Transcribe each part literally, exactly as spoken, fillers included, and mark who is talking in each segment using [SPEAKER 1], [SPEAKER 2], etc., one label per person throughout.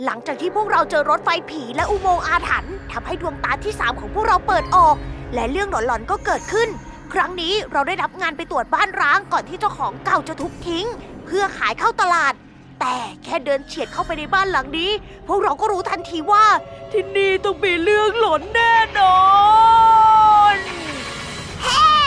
[SPEAKER 1] หลังจากที่พวกเราเจอรถไฟผีและอุโมงค์อาถรรพ์ทำให้ดวงตาที่สามของพวกเราเปิดออก และเรื่องหลอนๆก็เกิดขึ้น ครั้งนี้เราได้รับงานไปตรวจบ้านร้างก่อนที่เจ้าของเก่าจะทุบทิ้ง เพื่อขายเข้าตลาด แต่แค่เดินเฉียดเข้าไปในบ้านหลังนี้ พวกเราก็รู้ทันทีว่า ที่นี่ต้องมีเรื่องหลอนแน่นอนแฮ่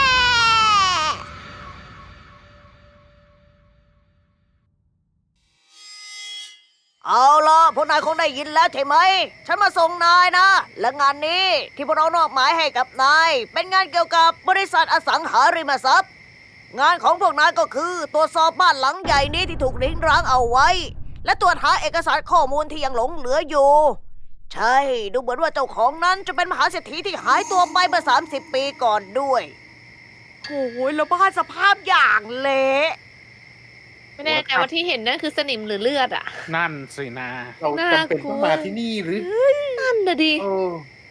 [SPEAKER 1] เอาล่ะพวกนายคงได้ยินแล้วใช่ไหม ฉันมาส่งนายนะ และงานนี้ที่พวกเรามอบหมายให้กับนาย เป็นงานเกี่ยวกับบริษัทอสังหาริมทรัพย์ งานของพวกนายก็คือตรวจสอบบ้านหลังใหญ่นี้ที่ถูกริ้งร้างเอาไว้ และตรวจหาเอกสารข้อมูลที่ยังหลงเหลืออยู่ ใช่ ดูเหมือนว่าเจ้าของนั้นจะเป็นมหาเศรษฐีที่หายตัวไปเมื่อสามสิบปีก่อนด้วยโอ้ยแล้วบ้านสภาพอย่างเละ
[SPEAKER 2] ไม่แน่ใจว่าที่เห็นนั่นคือสนิมหรือเลือดอ่ะ
[SPEAKER 3] นั่นสินะ
[SPEAKER 4] เราจำเป็นต้องมาที่นี่หรือ
[SPEAKER 2] นั่นนะดิ
[SPEAKER 4] เออน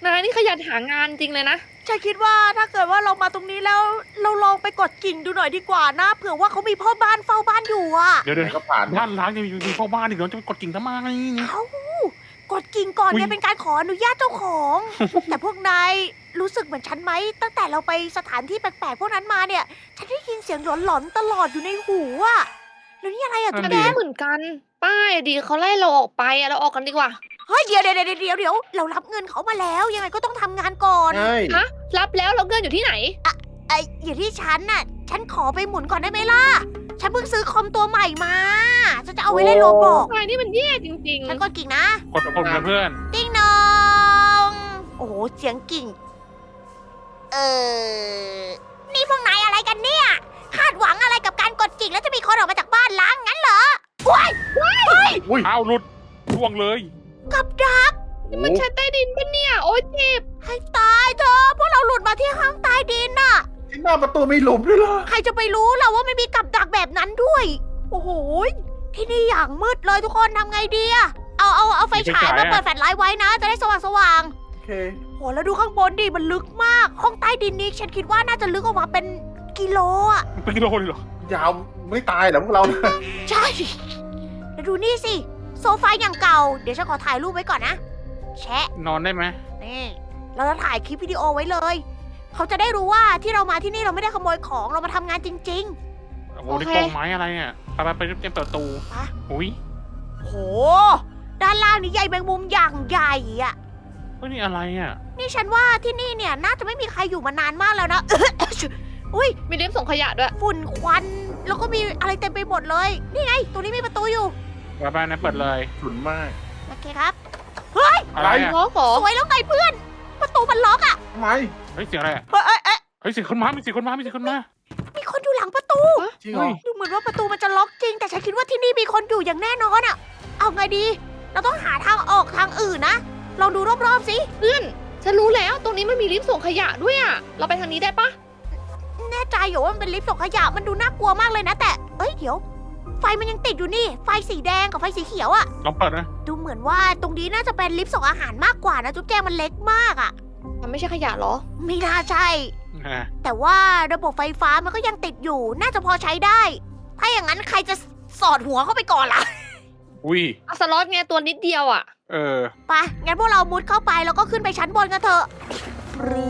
[SPEAKER 2] ายนี่ขยันหางานจริงเลยนะ
[SPEAKER 1] ฉันคิดว่าถ้าเกิดว่าเรามาตรงนี้แล้ว เราลองไปกดกิ่งดูหน่อยดีกว่านะเผื่อว่าเขามีพ่อบ้านเฝ้าบ้านอยู่อ่ะ
[SPEAKER 3] เดี๋ยวเดี๋ยว
[SPEAKER 4] ก็ผ่าน
[SPEAKER 3] บ้านล้างยังมีพ่อบ้านอีกเหรอจะไปกดกิ่งทำไม
[SPEAKER 1] เอ้ากดกิ่งก่อน
[SPEAKER 3] อุ๊ย
[SPEAKER 1] เนี่ยเป็นการขออนุญาตเจ้าของ แต่พวกนายรู้สึกเหมือนฉันไหมตั้งแต่เราไปสถานที่แปลกๆพวกนั้นมาเนี่ย ฉันได้ยินเสียงหลอนๆตลอดอยู่ในหูอ่ะแล้วนี่อะไรอ่ะจุ๊บ
[SPEAKER 2] ฉัน
[SPEAKER 1] แด
[SPEAKER 2] ก็
[SPEAKER 1] ง
[SPEAKER 2] เหมือนกัน ป้ายดีเขาไล่เราออกไปอะเราออกกันดีกว่า
[SPEAKER 1] เฮ้ยเดี๋ยวเดี๋ยวเดี๋ยวเดี๋ยวเดี๋ยวเรารับเงินเขามาแล้ว ยังไงก็ต้องทำงานก่อน
[SPEAKER 4] ใช่
[SPEAKER 2] ฮะ รับแล้วเราเงินอยู่ที่ไหน
[SPEAKER 1] ไอ้อยู่ที่ฉันน่ะ ฉันขอไปหมุนก่อนได้ไหมล่ะ ฉันเพิ่งซื้อคอมตัวใหม่มาฉันจะเอาไว้เล่นโรบอท
[SPEAKER 2] นายนี่มันแย่จริง
[SPEAKER 1] ฉันกดกิ่งนะ
[SPEAKER 3] กดกดนะเพื่อน
[SPEAKER 1] ติ้งนองโอ้โห เสียงกิ่ง เออ นี่พวกนายอะไรกันเนี่ย คาดหวังอะไรกับการกดกิ่งแล้วจะมีคนออกมาจากบ้านล้างงั้นเหรอว้ายว้าย
[SPEAKER 4] อุ้ย
[SPEAKER 3] อ้าวหลุดร่วงเลย
[SPEAKER 1] กับดัก
[SPEAKER 2] ๆนี่มันชั้นใต้ดินปะเนี่ย โอ๊ยเจ็บ
[SPEAKER 1] ให้ตายเธอะพวกเราหลุดมาที่ห้องใต้ดินน่ะ
[SPEAKER 4] ที่หน้าประตูมีหลุมด้วยเหรอ
[SPEAKER 1] ใครจะไปรู้ล่ะว่าไม่มีกับดักแบบนั้นด้วย โอ้โห ที่นี่อย่างมืดเลยทุกคนทำไงดีอะเอาเอาเอาไฟฉายมาเปิดแฟลชไลท์ไว้นะ จะได้สว่างสว่าง
[SPEAKER 4] โอเค
[SPEAKER 1] ๆโหแล้วดูข้างบนดิมันลึกมาก ห้องใต้ดินนี้ฉันคิดว่าน่าจะลึกออกมาเป็นกิโลอะ
[SPEAKER 3] เป็นกิโลเลยเหรอย
[SPEAKER 4] าวไม่ตายเหรอพวกเรา
[SPEAKER 1] ใช่ แล้วดูนี่สิ โซฟาอย่างเก่า เดี๋ยวฉันขอถ่ายรูปไว้ก่อนนะ แชะ
[SPEAKER 3] นอนได้ไหม
[SPEAKER 1] นี่ เราจะถ่ายคลิปวิดีโอไว้เลย เขาจะได้รู้ว่าที่เรามาที่นี่เราไม่ได้ขโมยของ เรามาทำงานจริง
[SPEAKER 3] โอ้โหนี่กองไม้อะไรอ่ะไปไปไปเตรียมเปิดประตู
[SPEAKER 1] ๆปะ
[SPEAKER 3] อุ้ย
[SPEAKER 1] โห ด้านล่างนี่ใหญ่แมงมุมอย่างใหญ่อะ
[SPEAKER 3] เฮ้ยนี่อะไรอ่ะ
[SPEAKER 1] นี่ฉันว่าที่นี่เนี่ยน่าจะไม่มีใครอยู่มานานมากแล้วนะ อุ้ย
[SPEAKER 2] มีลิฟต์ส่งขยะด้วย
[SPEAKER 1] ฝุ่นควัน แล้วก็มีอะไรเต็มไปหมดเลย นี่ไง ตรงนี้มีประตูอยู่
[SPEAKER 3] ไปไปนะเปิดเลย
[SPEAKER 4] ฉุนมาก
[SPEAKER 1] โอเคครับ เฮ้ย
[SPEAKER 3] อะไรอ่ะ
[SPEAKER 2] ล้อขอ
[SPEAKER 1] สวยแล้วไงเพื่อน ประตูมันล็อกอะ
[SPEAKER 4] ทำไม
[SPEAKER 3] เฮ้ยเสียงอะไรอ่ะ
[SPEAKER 1] เฮ้ยเอ้ยเอ้ย
[SPEAKER 3] เฮ้ยเสียงคนมามีเสียงคนมามีเสียงคนมา
[SPEAKER 1] มีคนอยู่หลังประตู
[SPEAKER 4] จริงเหรอ
[SPEAKER 1] ดูเหมือนว่าประตูมันจะล็อกจริง แต่ฉันคิดว่าที่นี่มีคนอยู่อย่างแน่นอนอะเอาไงดี เราต้องหาทางออกทางอื่นนะ ลองดูรอบๆสิ
[SPEAKER 2] เพื่อน ฉันรู้แล้ว ตรงนี้มันมีลิฟต์ส่งขยะด้วยอะเราไปทางนี้ได้ปะ
[SPEAKER 1] แน่ใจอยู่ว่ามันเป็นลิฟต์ส่งขยะ มันดูน่ากลัวมากเลยนะ แต่ เอ้ย เดี๋ยว ไฟมันยังติดอยู่นี่ ไฟสีแดงกับไฟสีเขียวอะ
[SPEAKER 3] ลองเปิดนะ
[SPEAKER 1] ดูเหมือนว่าตรงนี้น่าจะเป็นลิฟต์ส่งอาหารมากกว่านะจุ๊บแจงมันเล็กมากอะ
[SPEAKER 2] มันไม่ใช่ขยะเหรอ
[SPEAKER 1] ไม่น่าใช่
[SPEAKER 3] อ่า
[SPEAKER 1] แต่ว่าระบบไฟฟ้ามันก็ยังติดอยู่ น่าจะพอใช้ได้ ถ้าอย่างนั้นใครจะสอดหัวเข้าไปก่อนล่ะ
[SPEAKER 3] อุ้ย
[SPEAKER 2] อะสล็อตไงตัวนิดเดียวอะ
[SPEAKER 3] เออ
[SPEAKER 1] ไปงั้นพวกเรามุดเข้าไปแล้วก็ขึ้นไปชั้นบนกันเถอะหรือ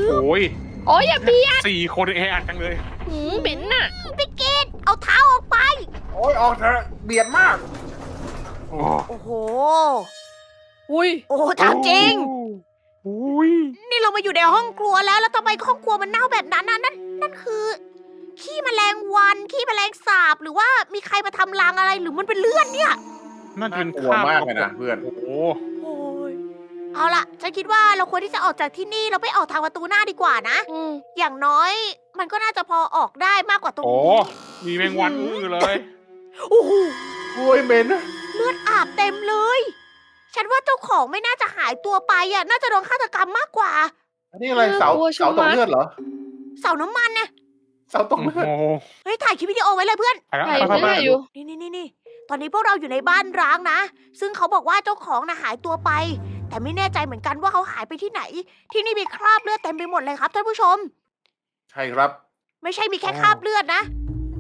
[SPEAKER 3] โอ้ย
[SPEAKER 2] โอ๊ยอย่าเบียด
[SPEAKER 3] สี่คนแออัดจังเลย
[SPEAKER 2] หืมเหม็นน่ะ
[SPEAKER 1] พี่กิตเอาเท้าออกไป
[SPEAKER 4] โอ้ยออกเถอะเบียดมาก
[SPEAKER 3] โอ้
[SPEAKER 1] โอ้โห
[SPEAKER 2] อุ้ย
[SPEAKER 1] โอ้ถามจริง
[SPEAKER 3] อุ้ย
[SPEAKER 1] นี่เรามาอยู่ในห้องครัวแล้ว แล้วทำไมห้องครัวมันเน่าแบบนั้นน่ะนั่นนั่นคือ ขี้แมลงวัน ขี้แมลงสาบ หรือว่ามีใครมาทำรังอะไร หรือมันเป็นเลือดเนี่ย
[SPEAKER 3] นั่นเป็น
[SPEAKER 4] น่ากลัวมากเลยนะเพื่อน
[SPEAKER 3] โอ้โห
[SPEAKER 1] โอ้ยเอาล่ะ ฉันคิดว่าเราควรที่จะออกจากที่นี่เราไปออกทางประตูหน้าดีกว่านะ
[SPEAKER 2] อืม
[SPEAKER 1] อย่างน้อย มันก็น่าจะพอออกได้มากกว่าตรง
[SPEAKER 3] โอ้
[SPEAKER 1] นี้
[SPEAKER 3] มีแมงวันอื้อเลย
[SPEAKER 1] โอ้โห
[SPEAKER 4] โอ้ยเหม็นนะ
[SPEAKER 1] เลือดอาบเต็มเลย ฉันว่าเจ้าของไม่น่าจะหายตัวไปอ่ะ น่าจะโดนฆาตกรรมมากกว่า
[SPEAKER 4] อันนี้อะไรเสา
[SPEAKER 2] น่ากลัวชะมัด
[SPEAKER 4] เสาตกเลือดเหรอ
[SPEAKER 1] เสาน้ำมันนะ
[SPEAKER 4] เสาตก
[SPEAKER 3] โอ้
[SPEAKER 4] เลือด
[SPEAKER 3] โห
[SPEAKER 1] เฮ้ยถ่ายคลิปวิดีโอไว้เลยเพื่อน
[SPEAKER 3] ไปแล้ว
[SPEAKER 2] ใคร
[SPEAKER 3] ไปไป
[SPEAKER 2] ไม่
[SPEAKER 3] ไป
[SPEAKER 2] ได้อยู่
[SPEAKER 1] นี่นี่นี่นี่ตอนนี้พวกเราอยู่ในบ้านร้างนะ ซึ่งเขาบอกว่าเจ้าของน่ะหายตัวไป แต่ไม่แน่ใจเหมือนกันว่าเขาหายไปที่ไหน ที่นี่มีคราบเลือดเต็มไปหมดเลยครับท่านผู้ชม
[SPEAKER 4] ใช่ครับ
[SPEAKER 1] ไม่ใช่มีแค่คราบเลือดนะ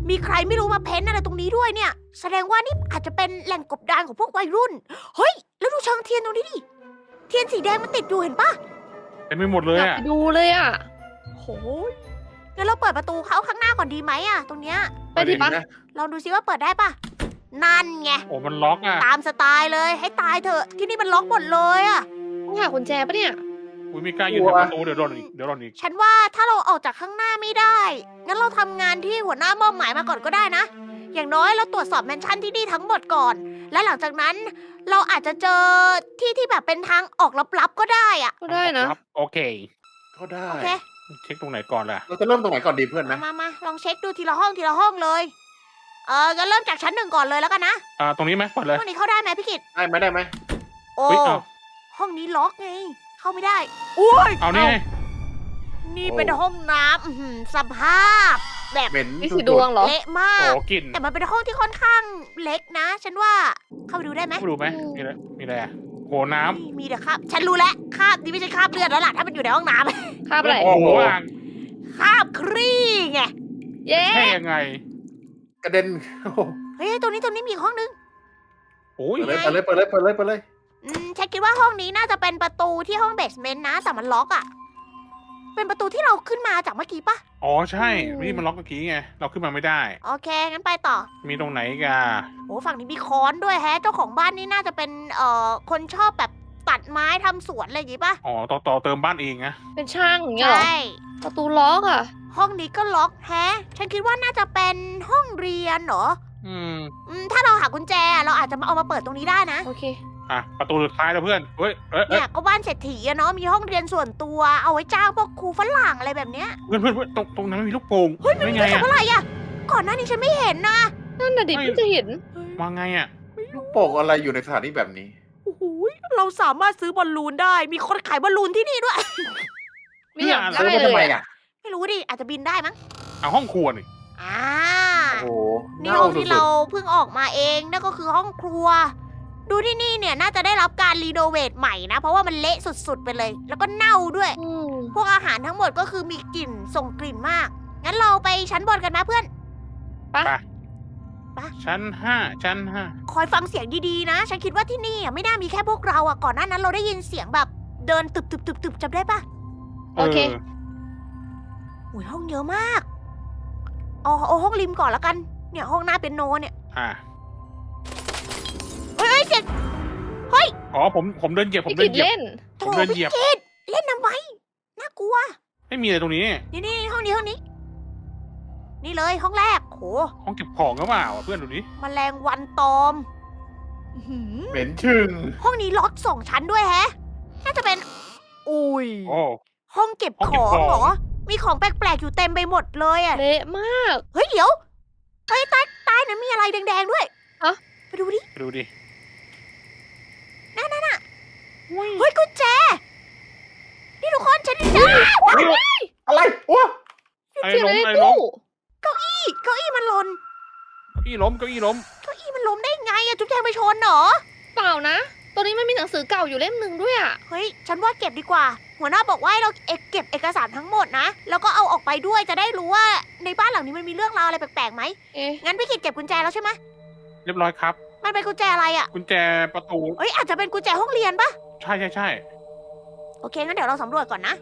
[SPEAKER 1] มีใครไม่รู้มาเพ้นอะไรตรงนี้ด้วยเนี่ย แสดงว่านี่อาจจะเป็นแหล่งกบดานของพวกวัยรุ่น เฮ้ย แล้วดูเชิงเทียนตรงนี้ดิ เทียนสีแดงมันติดอยู่เห็นปะ
[SPEAKER 3] เต็มไปหมดเลย
[SPEAKER 2] อยาก
[SPEAKER 3] อ่ะ
[SPEAKER 2] ไปดูเลยอ่ะ
[SPEAKER 1] โหยงั้นเราเปิดประตูเข้าข้างหน้าก่อนดีไหมอะตรงเนี้ย
[SPEAKER 2] ไปดิปะ
[SPEAKER 4] นะ
[SPEAKER 1] ลองดูซิว่าเปิดได้ปะนั่นไง
[SPEAKER 3] โอ้มันล็อกอ่ะ
[SPEAKER 1] ตามสไตล์เลย ให้ตายเถอะ ที่นี่มันล็อกหมดเลยอะ
[SPEAKER 2] ต้องหากุญแจปะเนี่ย
[SPEAKER 3] อุ้ยมีกล้ายืนแถวประตูเดี๋ยวโดนอีกเดี๋ยวโดนอีก
[SPEAKER 1] ฉันว่าถ้าเราออกจากข้างหน้าไม่ได้ งั้นเราทำงานที่หัวหน้ามอบหมายมาก่อนก็ได้นะ อย่างน้อยเราตรวจสอบแมนชั่นที่นี่ทั้งหมดก่อน และหลังจากนั้นเราอาจจะเจอที่ที่แบบเป็นทางออกลับๆก็ได้อะ
[SPEAKER 2] ก็ได้นะ
[SPEAKER 3] ครับโอเค
[SPEAKER 4] ก็ได้
[SPEAKER 1] โอเค
[SPEAKER 3] เช็คตรงไหนก่อนล่ะ
[SPEAKER 4] เราจะเริ่มตรงไหนก่อนดีเพื่อน
[SPEAKER 1] มา
[SPEAKER 4] นะ
[SPEAKER 1] มามาลองเช็คดูทีละห้องทีละห้องเลย เอองั้นเริ่มจากชั้นหนึ่งก่อนเลยแล้วกันนะ
[SPEAKER 3] อ่าตรงนี้ไหมเปิดเลย
[SPEAKER 1] ห้องนี้เข้าได้ไหมพี่กิต
[SPEAKER 4] ได้ไหมได้ไหม
[SPEAKER 1] โอ้
[SPEAKER 3] เฮ้ยเอา
[SPEAKER 1] ห้องนี้ล็อกไง เข้าไม่ได้อุ้ย
[SPEAKER 3] เอานี่ไง
[SPEAKER 1] นี่เป็นห้องน้ำอื้อหือสภาพ แบบ
[SPEAKER 4] เหม็น
[SPEAKER 2] นี่สีดวงเหรอ
[SPEAKER 1] เละมาก
[SPEAKER 3] โอ้กลิ่น
[SPEAKER 1] แต่มันเป็นห้องที่ค่อนข้างเล็กนะ ฉันว่าเข้าไปดูได้ไหม
[SPEAKER 3] ไม่รู้ไหมมีอะไรมีอะไรอะโหน้
[SPEAKER 1] นี่มีแต่คราบฉันรู้แล้วคราบนี่ไม่ใช่คราบเลือดแล้วล่ะถ้ามันอยู่ในห้องน้
[SPEAKER 2] คาบ
[SPEAKER 3] ำ
[SPEAKER 2] อะไร
[SPEAKER 3] โอ้โหอ่าง
[SPEAKER 1] ำคราบครี่ไง
[SPEAKER 2] เย้
[SPEAKER 3] แค่ยังไง
[SPEAKER 4] กระเด็นโอ้โห
[SPEAKER 1] เฮ้ยตรงนี้ตรงนี้มีอีกห้องนึง
[SPEAKER 3] โอ้ย
[SPEAKER 4] เปิดเลยเปิดเลยเปิดเลยเปิดเลยเปิดเลย
[SPEAKER 1] อืมฉันคิดว่าห้องนี้น่าจะเป็นประตูที่ห้องเบสเมนต์นะ แต่มันล็อกอะเป็นประตูที่เราขึ้นมาจากเมื่อกี้ปะ
[SPEAKER 3] อ๋อใช่นี่มันล็อกเมื่อกี้ไงเราขึ้นมาไม่ได้
[SPEAKER 1] โอเคงั้นไปต่อ
[SPEAKER 3] มีตรงไหนอีกัน
[SPEAKER 1] โอ้ฝั่งนี้มีค้อนด้วยแฮะ เจ้าของบ้านนี่น่าจะเป็นเอ่อคนชอบแบบตัดไม้ทำสวนอะไรอย่างงี้ปะ
[SPEAKER 3] อ๋อต่อต่อเติมบ้านเองนะ
[SPEAKER 2] เป็นช่างอย่างเงี้
[SPEAKER 1] ใช
[SPEAKER 2] ยเหรอ่ ประตูล็อกอ่ะ
[SPEAKER 1] ห้องนี้ก็ล็อกแฮะ ฉันคิดว่าน่าจะเป็นห้องเรียนเหรอ
[SPEAKER 3] อืม
[SPEAKER 1] อืมถ้าเราหากุญแจเราอาจจะมาเอามาเปิดตรงนี้ได้นะ
[SPEAKER 2] โอเค
[SPEAKER 3] อ่ะประตูสุดท้ายแล้วเพื่อนเฮ้ยเอ้ยเอ้
[SPEAKER 1] เนี่ย ยก็บ้านเศรษฐีอะเนาะมีห้องเรียนส่วนตัวเอาไว้จ้างพวกครูฝรั่งอะไรแบบเนี้ย
[SPEAKER 3] เพื่อนเพื่อนเพื่อนตรงตรงนั้นมีลูกโป่ง
[SPEAKER 1] เฮ้ยมัน
[SPEAKER 3] ไม่
[SPEAKER 1] มี
[SPEAKER 3] ไง
[SPEAKER 1] เรื่อง
[SPEAKER 3] อ่ะ
[SPEAKER 1] อะไรอะก่อนหน้านี้ฉันไม่เห็นนะ
[SPEAKER 2] นั่นน่ะดิ
[SPEAKER 3] ไม่
[SPEAKER 2] เพิ่งจะเห็น
[SPEAKER 3] วางไงอ่ะ
[SPEAKER 4] ลูกโป่งอะไรอยู่ในสถานที่แบบนี้
[SPEAKER 1] โอ้โหเราสามารถซื้อบอลลูนได้ มีคนขายบอลลูนที่นี่ด้วย
[SPEAKER 2] ไม่อยาก
[SPEAKER 3] เพื่อน
[SPEAKER 2] ได้
[SPEAKER 4] ซื้อมา
[SPEAKER 2] เล
[SPEAKER 4] ทำไม
[SPEAKER 2] ยอะ
[SPEAKER 4] อ่ะ
[SPEAKER 1] ไม่รู้ดิ อาจจะบินได้มั้ง
[SPEAKER 3] เอาห้องครัวนี่
[SPEAKER 1] อ่า
[SPEAKER 4] โอ้โห
[SPEAKER 1] นี่
[SPEAKER 4] เน่า
[SPEAKER 1] ห้อง
[SPEAKER 4] สุ
[SPEAKER 1] ที่
[SPEAKER 4] ด
[SPEAKER 1] เราเพิ่งออกมาเองนั่นก็คือห้องครัว ดูที่นี่เนี่ยน่าจะได้รับการรีโนเวทใหม่นะ เพราะว่ามันเละสุดๆไปเลย แล้วก็เน่าด้วย
[SPEAKER 2] อืม
[SPEAKER 1] พวกอาหารทั้งหมดก็คือมีกลิ่นส่งกลิ่นมาก งั้นเราไปชั้นบนกันนะเพื่อน
[SPEAKER 2] ไป
[SPEAKER 3] ไป
[SPEAKER 1] ไป
[SPEAKER 3] ชั้นห้าชั้นห้า
[SPEAKER 1] คอยฟังเสียงดีๆนะ ฉันคิดว่าที่นี่อ่ะไม่น่ามีแค่พวกเราอ่ะ ก่อนหน้านั้นเราได้ยินเสียงแบบเดินตึบตึบตึบตึบจำได้ปะ
[SPEAKER 2] โอเค
[SPEAKER 1] อุ้ยห้องเยอะมาก เอาเอาห้องริมก่อนแล้วกัน เนี่ยห้องหน้าเป็นโนเนี่ย
[SPEAKER 3] อ่า
[SPEAKER 1] เฮ้ยเฮ้ยเสียง
[SPEAKER 3] อ๋อผมผมเดินเหยียบผ
[SPEAKER 2] พี่
[SPEAKER 3] มเดิ
[SPEAKER 2] กิ
[SPEAKER 3] น
[SPEAKER 2] ด
[SPEAKER 3] เหยียบ
[SPEAKER 2] เล่น
[SPEAKER 1] โถ
[SPEAKER 3] ผมเดิน
[SPEAKER 1] พี่
[SPEAKER 3] เหยียบ
[SPEAKER 1] กิดเล่นน้ำไว้ น่ากลัว
[SPEAKER 3] ไม่มีอะไรตรงนี้
[SPEAKER 1] นี่นี่ห้องนี้ห้องนี้ นี่เลยห้องแรกโห
[SPEAKER 3] ห้องเก็บของก็เปล่าอ่ะเพื่อนดูดิ
[SPEAKER 1] แมลงวันตอมอื้อหือ
[SPEAKER 4] เหม็นชึง
[SPEAKER 1] ห้องนี้ล็อกสองชั้นด้วยแฮะ น่าจะเป็น อุ้ย
[SPEAKER 3] โอ้
[SPEAKER 1] ห้องเก็บ
[SPEAKER 3] ห้อง
[SPEAKER 1] ข
[SPEAKER 3] เก็บ
[SPEAKER 1] อง
[SPEAKER 3] ของ
[SPEAKER 1] เหรอ มีของแปลกๆอยู่เต็มไปหมดเลยอ่ะ
[SPEAKER 2] เละมาก
[SPEAKER 1] เฮ้ยเดี๋ยว เฮ้ยใต้ใต้นั้นมีอะไรแดงๆด้วย
[SPEAKER 2] ฮะ
[SPEAKER 1] ไปดูดิ
[SPEAKER 3] ไปดูดิ
[SPEAKER 1] นั่นน่ะน่ะเฮ้ยกุญแจ นี่ทุกคนฉันได้เจอ
[SPEAKER 4] อะไรโอ้
[SPEAKER 3] ไอ้
[SPEAKER 2] ที่
[SPEAKER 3] ล้ม
[SPEAKER 2] ใน
[SPEAKER 3] ไอ้ล้ม
[SPEAKER 2] ตู้
[SPEAKER 1] เก้าอี้เก้าอี้มันหล่น
[SPEAKER 3] เก้าอี้ล้มเก้าอี้ล้ม
[SPEAKER 1] เก้าอี้มันล้มได้ไงอะจุ๊บแจงไปชนเหรอ
[SPEAKER 2] เปล่านะ ตัวนี้มันมีหนังสือเก่าอยู่เล่มหนึ่งด้วยอ่ะ
[SPEAKER 1] เฮ้ย ฉันว่าเก็บดีกว่า หัวหน้าบอกว่าให้เราเอกเก็บเอกสารทั้งหมดนะ แล้วก็เอาออกไปด้วยจะได้รู้ว่าในบ้านหลังนี้มันมีเรื่องราวอะไรแปลกๆไหม
[SPEAKER 2] เอ๊ะ
[SPEAKER 1] งั้นพี่กิจเก็บกุญแจแล้วใช่ไหม
[SPEAKER 3] เรียบร้อยครับ
[SPEAKER 1] มันเป็นกุญแจอะไรอะ
[SPEAKER 3] กุญแจประตู
[SPEAKER 1] เอ้ยอาจจะเป็นกุญแจห้องเรียนปะ
[SPEAKER 3] ใช่ใช่ใช่
[SPEAKER 1] โอเคงั้นเดี๋ยวเราสำรวจก่อนนะ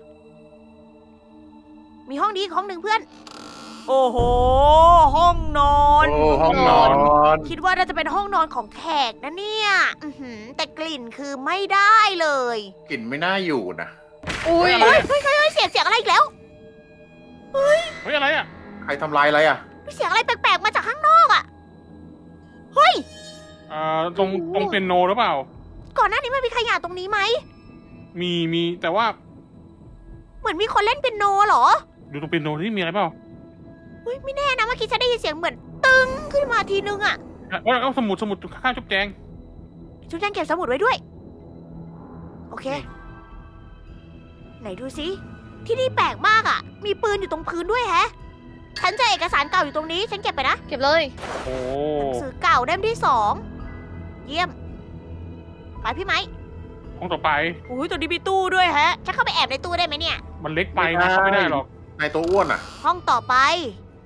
[SPEAKER 1] มีห้องนี้อีกห้องหนึ่งเพื่อน โอ้โห ห้องนอน
[SPEAKER 4] โอ้ห้องนอน
[SPEAKER 1] คิดว่าน่าจะเป็นห้องนอนของแขกนะเนี่ยอื้อหือแต่กลิ่นคือไม่ได้เลย
[SPEAKER 4] กลิ่นไม่น่าอยู่นะ
[SPEAKER 2] อุ้ย
[SPEAKER 3] เฮ้ยอะไร
[SPEAKER 1] เฮ้ยเฮ้ยเฮ้ยเสียงเสียงอะไรอีกแล้ว
[SPEAKER 3] เฮ้ยอะไรอ่ะ
[SPEAKER 4] ใครทำลายอะไรอ่ะ
[SPEAKER 1] มีเสียงอะไรแปลกๆมาจากข้างนอกอะเฮ้ย
[SPEAKER 3] เอ่อตรงตรงเปียโนหรือเปล่า
[SPEAKER 1] ก่อนหน้านี้มันมีขยะตรงนี้ไหม
[SPEAKER 3] มีมีแต่ว่า
[SPEAKER 1] เหมือนมีคนเล่นเปียโนเหรอ
[SPEAKER 3] ดูตรงเปียโนที่มีอะไรเปล่า
[SPEAKER 1] เฮ้ยไม่แน่นะเมื่อกี้ฉันได้ยินเสียงเหมือนตึงขึ้นมาทีนึงอะ
[SPEAKER 3] เอ้ยเอาสมุดสมุดข้างๆจุ๊บแจง
[SPEAKER 1] ชุดแจงเก็บสมุดไว้ด้วย โอเค ไหนดูสิที่นี่แปลกมากอะมีปืนอยู่ตรงพื้นด้วยแฮะ ฉันเจอเอกสารเก่าอยู่ตรงนี้ ฉันเก็บไปนะ
[SPEAKER 2] เก็บเลย
[SPEAKER 3] โอ้
[SPEAKER 1] หนังสือเก่าเล่มที่สองเยี่ยม ไปพี่ไหม
[SPEAKER 3] ห้องต่อไป
[SPEAKER 1] อุ้ยตัวนี้มีตู้ด้วยแฮะฉันเข้าไปแอบในตู้ได้ไหมเนี่ย
[SPEAKER 3] มันเล็กไปนะเข้าไม่ได้หรอก
[SPEAKER 4] นายตัวอ้วนอ่ะ
[SPEAKER 1] ห้องต่อไป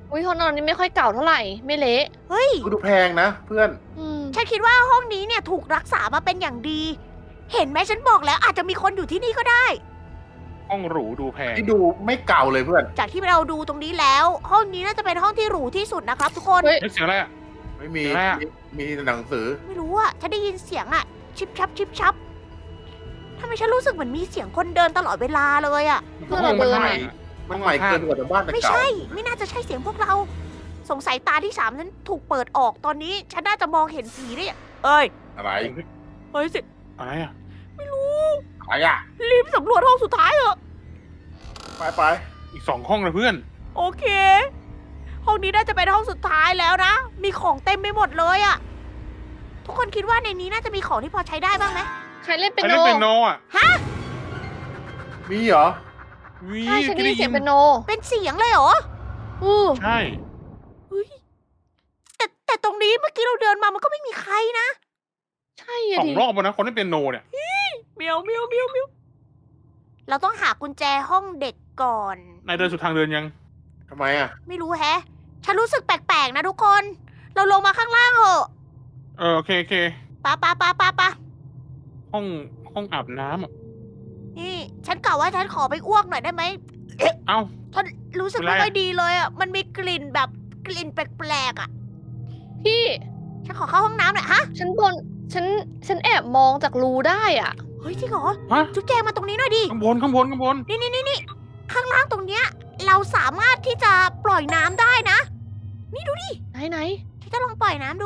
[SPEAKER 2] อุ้ยห้องนอนนี้ไม่ค่อยเก่าเท่าไหร่ ไม่เละ
[SPEAKER 1] เฮ้ย
[SPEAKER 4] ดูแพงนะเพื่อน
[SPEAKER 2] อืม
[SPEAKER 1] ฉันคิดว่าห้องนี้เนี่ยถูกรักษามาเป็นอย่างดี เห็นไหมฉันบอกแล้วอาจจะมีคนอยู่ที่นี่ก็ได้
[SPEAKER 3] ห้องหรูดูแพง
[SPEAKER 4] ที่ดูไม่เก่าเลยเพื่อน
[SPEAKER 1] จากที่เราดูตรงนี้แล้ว ห้องนี้น่าจะเป็นห้องที่หรูที่สุดนะครับทุกคน
[SPEAKER 2] เฮ้ย
[SPEAKER 3] เฮ้ยเสียงอะไรอ่ะ
[SPEAKER 4] ไม่มี
[SPEAKER 3] อะไรอะ
[SPEAKER 4] มีมีหนังสือ
[SPEAKER 1] ไม่รู้อะฉันได้ยินเสียงอะชิบชับชิบชับทำไมฉันรู้สึกเหมือนมีเสียงคนเดินตลอดเวลาเลยอะ
[SPEAKER 2] เพื่อนเราเดิน
[SPEAKER 3] ห้อง
[SPEAKER 2] อะ
[SPEAKER 4] มันใหม่เกินกว่าแต่บ้านแต่
[SPEAKER 1] ไม่
[SPEAKER 4] เก่า
[SPEAKER 1] ใช่ ไม่น่าจะใช่เสียงพวกเรา สงสัยตาที่สามฉันถูกเปิดออกตอนนี้ ฉันน่าจะมองเห็นผีได้อย่างเอ้ย
[SPEAKER 4] อะไร
[SPEAKER 1] เฮ้ยสิ
[SPEAKER 3] อะไรอ่ะ
[SPEAKER 1] ไม่รู้
[SPEAKER 4] อะไรอ่ะ
[SPEAKER 1] รีบสำรวจห้องสุดท้ายเถอะ
[SPEAKER 4] ไปไป
[SPEAKER 3] อีกสองห้องเลยเพื่อน
[SPEAKER 1] โอเค ห้องนี้น่าจะเป็นห้องสุดท้ายแล้วนะ มีของเต็มไปหมดเลยอะทุกคนคิดว่าในนี้น่าจะมีของที่พอใช้ได้บ้างไหม
[SPEAKER 2] ใครเล่น
[SPEAKER 3] ใค
[SPEAKER 2] เป็
[SPEAKER 3] ร
[SPEAKER 2] นโน
[SPEAKER 3] เล่นเป็นโนอ่ะ
[SPEAKER 4] มีเหรอ
[SPEAKER 3] วิ
[SPEAKER 2] ใช่ฉันได้ยินเสียงเป็นโน
[SPEAKER 1] เป็นเสียงเลยเหรอ
[SPEAKER 2] อือ
[SPEAKER 3] ใช่
[SPEAKER 1] เฮ้ยแต่แต่ตรงนี้เมื่อกี้เราเดินมามันก็ไม่มีใครนะ
[SPEAKER 2] ใช่อะ
[SPEAKER 3] สอ
[SPEAKER 2] ดิ
[SPEAKER 3] งรอบแล้วนะคนเล่นเป็นโนเนี่ย
[SPEAKER 1] เมียวเมียวเมียวเมียวเราต้องหากุญแจห้องเด็กก่อน
[SPEAKER 3] นายเดินสุดทางเดินยัง
[SPEAKER 4] ทำไมอ่ะ
[SPEAKER 1] ไม่รู้แฮะ ฉันรู้สึกแปลกๆนะทุกคน เราลงมาข้างล่างเถอะ
[SPEAKER 3] เออโอเคโอเค
[SPEAKER 1] ปะปะปะปะปะ
[SPEAKER 3] ห้องห้องอาบน้ำอะ
[SPEAKER 1] นี่ ฉันกะว่าฉันขอไปอ้วกหน่อยได้ไหม
[SPEAKER 3] เอ้า
[SPEAKER 1] ฉันรู้สึก
[SPEAKER 3] เป็นไร
[SPEAKER 1] ไม่
[SPEAKER 3] อะ
[SPEAKER 1] ค่อยดีเลยอ่ะ มันมีกลิ่นแบบกลิ่นแปลกๆอ่ะ
[SPEAKER 2] พี่
[SPEAKER 1] ฉันขอเข้าห้องน้ำหน่อยฮะ
[SPEAKER 2] ฉันบน ฉัน ฉันแอบมองจากรูได้อ่ะ
[SPEAKER 1] เฮ้ยจริงเหรอ
[SPEAKER 3] ฮะ
[SPEAKER 1] จุ๊บแจงมาตรงนี้หน่อยดิ
[SPEAKER 3] ข้างบนข้างบนข้างบน
[SPEAKER 1] นี่นี่นี่นี่ข้างล่างตรงเนี้ย เราสามารถที่จะปล่อยน้ำได้นะ นี่ดูดิ
[SPEAKER 2] ไหนไหน
[SPEAKER 1] ฉันจะลองปล่อยน้ำดู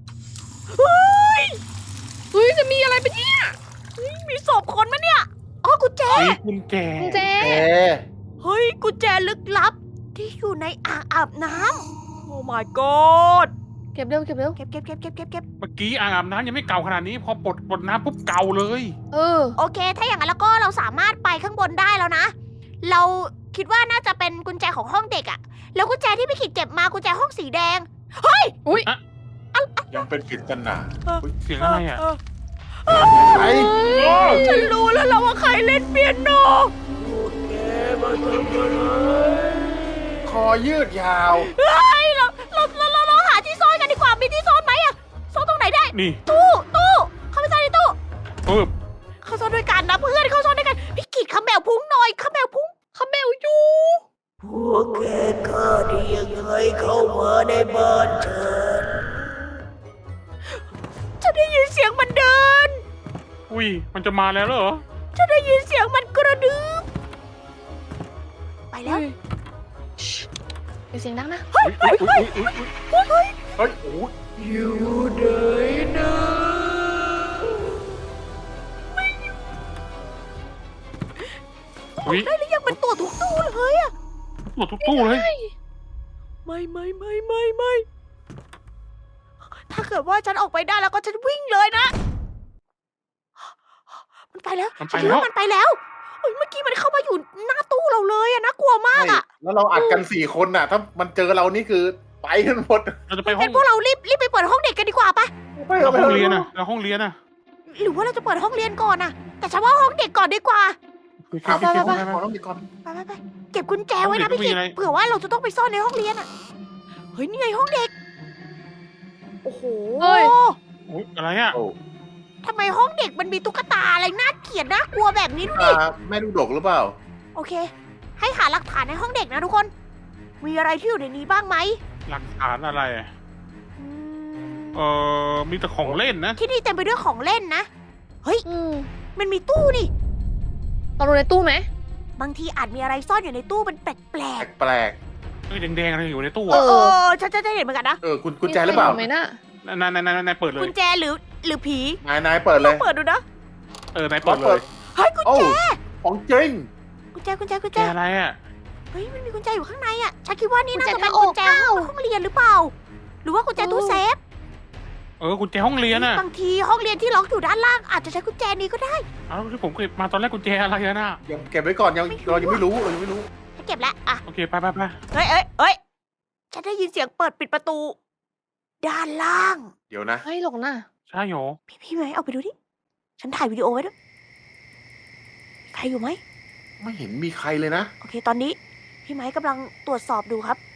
[SPEAKER 2] เฮ้ย จะมีอะไรเป็นเนี่ย
[SPEAKER 1] มีศพคนมะเนี่ย อ๋อกุญแจ
[SPEAKER 3] มีกุญแจ
[SPEAKER 2] กุญแจ
[SPEAKER 4] เอ๊ะ
[SPEAKER 1] เฮ้ยกุญแจลึกลับ ที่อยู่ในอ่างอาบน้ำโอ้ my god
[SPEAKER 2] เก็บเร็วเก็บเร็ว
[SPEAKER 1] เก็บเก็บเก็บเก็บเก็บเก็บ
[SPEAKER 3] เมื่อกี้อ่างอาบน้ำยังไม่เก่าขนาดนี้ พอปลดปลดน้ำปุ๊บเก่าเลย
[SPEAKER 2] เออ
[SPEAKER 1] โอเค ถ้าอย่างนั้นแล้วก็เราสามารถไปข้างบนได้แล้วนะ เราคิดว่าน่าจะเป็นกุญแจของห้องเด็กอะแล้วกุญแจที่พี่ขิดเก็บมากุญแจห้องสีแดง
[SPEAKER 2] อุ้ย
[SPEAKER 4] ยังเป็นปริศนา
[SPEAKER 3] เสียงอะไรอ่ะ
[SPEAKER 4] ไอ้
[SPEAKER 1] ฉันรู้แล้วเราว่าใครเล่นเปียโน
[SPEAKER 4] คอยืดยาว
[SPEAKER 1] เฮ้ยเราเราเราเราเราหาที่ซ่อนกันดีกว่า มีที่ซ่อนไหมอะซ่อนตรงไหนได้
[SPEAKER 3] นี่
[SPEAKER 1] ตู้ตู้เข้าไปซ่อนในตู้
[SPEAKER 3] ปึ๊บ
[SPEAKER 1] เขาซ่อนด้วยกันนะเพื่อนเขาซ่อนด้วยกัน พี่กิดขมแมวพุงหน่อยขมแมวพุงขมแมวอยู่พวกแกกล้าได้ยังไงเข้ามาในบ้านฉันฉันได้ยินเสียงมันเดิน
[SPEAKER 3] อุ้ยมันจะมาแล้วเหรอ
[SPEAKER 1] ฉันได้ยินเสียงมันกระดึบไปแล้ว
[SPEAKER 2] เดี๋ยวเสียงดังนะ
[SPEAKER 3] เฮ้ยเฮ้ยเฮ้ยเฮ้ย
[SPEAKER 4] เฮ้ยโอ้ย
[SPEAKER 1] อยู่ไหนนะ
[SPEAKER 3] อุ้ย
[SPEAKER 1] ได้หรือยังมันตัวทุกตู้เลยอะ
[SPEAKER 3] หมดทุกตู้เลย
[SPEAKER 1] ไม่ไม่ไม่ไม่ไม่ถ้าเกิดว่าฉันออกไปได้แล้วก็ฉันวิ่งเลยนะ มันไปแล้ว
[SPEAKER 3] มันไป
[SPEAKER 1] ฉันคิด
[SPEAKER 3] แล้ว
[SPEAKER 1] ว่ามันไปแล้วเอ้ยเมื่อกี้มันเข้ามาอยู่หน้าตู้เราเลยอะน่ากลัวมากอะ
[SPEAKER 4] แล้วเราอัดกันสี่คนน่ะ ถ้ามันเจอเรานี่คือไปกันหมด
[SPEAKER 3] เราจะไปห้อ
[SPEAKER 1] งั้
[SPEAKER 3] ง
[SPEAKER 1] นพวกเรารีบรีบไปเปิดห้องเด็กกันดีกว่าปะ
[SPEAKER 4] ไป
[SPEAKER 3] เรา
[SPEAKER 4] ไป
[SPEAKER 3] ห้องเรียนอ่ะเราห้องเรียนอ่ะ
[SPEAKER 1] หรือว่าเราจะเปิดห้องเรียนก่อนอะแต่ฉันว่าห้องเด็กก่อนดีกว่า
[SPEAKER 3] ไปไปไปไป
[SPEAKER 4] ขอต้องดีก่อน
[SPEAKER 1] ไปไปไปเก็บกุญแจไว้นะ
[SPEAKER 3] ห้องเด็
[SPEAKER 1] พี่
[SPEAKER 3] ก
[SPEAKER 1] กิ
[SPEAKER 3] ก็มี
[SPEAKER 1] ต
[SPEAKER 3] อะไร
[SPEAKER 1] เผื่อว่าเราจะต้องไปซ่อนในห้องเรียนอะเฮ้ยนี่ไงห้องเด็ก โอ้โห
[SPEAKER 2] เฮ้ย
[SPEAKER 3] อุ๊ยอะไรอ่ะ
[SPEAKER 4] โอ้
[SPEAKER 1] ทำไมห้องเด็กมันมีตุ๊กตาอะไรน่าเกลียดน่ากลัวแบบนี้ดูดิ
[SPEAKER 4] อ่าแม่ลูกดกหรือเปล่า
[SPEAKER 1] โอเค ให้หาหลักฐานในห้องเด็กนะทุกคน มีอะไรที่อยู่ในนี้บ้างไหม
[SPEAKER 3] หลักฐานอะไรอะ
[SPEAKER 1] อืม
[SPEAKER 3] เออมีแต่ของเล่นนะ
[SPEAKER 1] ที่นี่เต็มไปด้วยของเล่นนะ
[SPEAKER 2] อืม
[SPEAKER 1] มันมีตู้นี่
[SPEAKER 2] เราดูในตู้ไหม
[SPEAKER 1] บางทีอาจมีอะไรซ่อนอยู่ในตู้มันแปลก
[SPEAKER 4] แปลก
[SPEAKER 3] เอ้ยแดงๆอะไรอยู่ในตู้
[SPEAKER 1] ๆ เอ
[SPEAKER 3] อ่ะ
[SPEAKER 1] อเออฉันจะเห็นเหมือนกันนะ
[SPEAKER 4] ๆเออคุณกุญแจหรือเปล่า
[SPEAKER 2] มีใคไหมน่ะ
[SPEAKER 3] นายนายนายนายเปิดเล
[SPEAKER 1] กุ
[SPEAKER 3] ย
[SPEAKER 1] ญแจหรือหรือผี
[SPEAKER 4] นายนายเปิดเล
[SPEAKER 1] ลอย งเปิดดูนะ
[SPEAKER 3] เออนายเปิดเลย
[SPEAKER 1] เฮ้ยกุญ
[SPEAKER 4] โอ้
[SPEAKER 1] แจ
[SPEAKER 4] ของจริง
[SPEAKER 1] กุญแจกุญแจกุญ
[SPEAKER 3] แก
[SPEAKER 1] แจ
[SPEAKER 3] อะไรอ่ะ
[SPEAKER 1] เฮ้ยมันมีกุญแจอยู่ข้างในอ่ะ ฉันคิดว่านี่น่า
[SPEAKER 2] กุญแจ
[SPEAKER 1] จะเป็น
[SPEAKER 2] ทางอ
[SPEAKER 1] กุ
[SPEAKER 2] อก
[SPEAKER 1] ญแจ
[SPEAKER 2] เปล่า
[SPEAKER 1] ห้องเรียนหรือเปล่า หรือว่ากุญแจตู้เซฟ
[SPEAKER 3] เออกุญแจห้องเรียนอ่ะ
[SPEAKER 1] บางทีห้องเรียนที่ล็อกอยู่ด้านล่างอาจจะใช้กุญแจนี้ก็ได้
[SPEAKER 3] เอาที่ผมเก็บมาตอนแรกกุญแจอะไรอะน่ะ
[SPEAKER 4] ยังเก็บไว้ก่อนยังเรายังไม่รู้เรายังไม่รู้
[SPEAKER 1] ฉันเก็บแล้วอ่ะ
[SPEAKER 3] โอเคไปไปไป
[SPEAKER 1] เฮ้ยเอ้ยเอ้ยฉันได้ยินเสียงเปิดปิดประตู ด้านล่าง
[SPEAKER 4] เดี๋ยวนะ
[SPEAKER 2] เฮ้ยหลงน่ะ
[SPEAKER 3] ใช่หรอ
[SPEAKER 1] พี่พี่ไหมเอาไปดูดิ ฉันถ่ายวิดีโอไว้ด้วย ใครอยู่ไหม
[SPEAKER 4] ไม่เห็นมีใครเลยนะ
[SPEAKER 1] โอเค ตอนนี้ พี่ไม้กำลังตรวจสอบดูครับ